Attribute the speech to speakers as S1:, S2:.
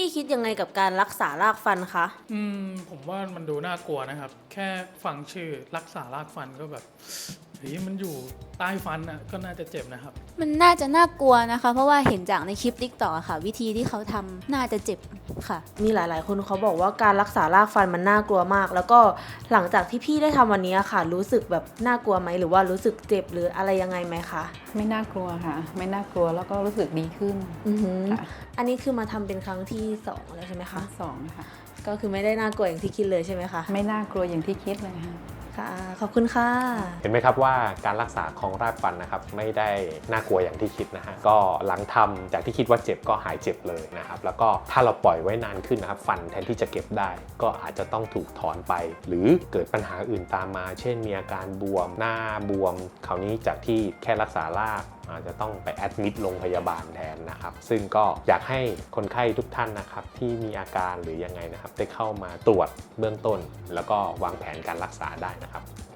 S1: พี่คิดยังไงกับการรักษารากฟันคะ
S2: ผมว่ามันดูน่ากลัวนะครับ แค่ฟังชื่อรักษารากฟันก็แบบเฮ้ยมันอยู่ใต้ฟันอ่ะก็น่าจะเจ็บนะครับ
S3: มันน่าจะน่ากลัวนะคะเพราะว่าเห็นจากในคลิป TikTok อะค่ะวิธีที่เขาทำน่าจะเจ็บค่ะ
S1: มีหลายๆคนเขาบอกว่าการรักษารากฟันมันน่ากลัวมากแล้วก็หลังจากที่พี่ได้ทำวันนี้ค่ะรู้สึกแบบน่ากลัวไหมหรือว่ารู้สึกเจ็บหรืออะไรยังไงไหมคะ
S4: ไม่น่ากลัวค่ะไม่น่ากลัวแล้วก็รู้สึกดีขึ้นค่ะ
S1: อันนี้คือมาทำเป็นครั้งที่2แล้วใช่ไหมคะ
S4: ทั้งสองค่ะ
S1: ก็คือไม่ได้น่ากลัวอย่างที่คิดเลยใช่ไหมคะ
S4: ไม่น่ากลัวอย่างที่คิดเลยค่ะ
S1: ค่ะขอบคุณค่ะ
S5: เห็นไหมครับว่าการรักษาของรากฟันนะครับไม่ได้น่ากลัวอย่างที่คิดนะฮะก็หลังทำจากที่คิดว่าเจ็บก็หายเจ็บเลยนะครับแล้วก็ถ้าเราปล่อยไว้นานขึ้นนะครับฟันแทนที่จะเก็บได้ก็อาจจะต้องถูกถอนไปหรือเกิดปัญหาอื่นตามมาเช่นมีอาการบวมหน้าบวมคราวนี้จากที่แค่รักษารากอาจจะต้องไปแอดมิดโรงพยาบาลแทนนะครับซึ่งก็อยากให้คนไข้ทุกท่านนะครับที่มีอาการหรือยังไงนะครับได้เข้ามาตรวจเบื้องต้นแล้วก็วางแผนการรักษาได้นะครับ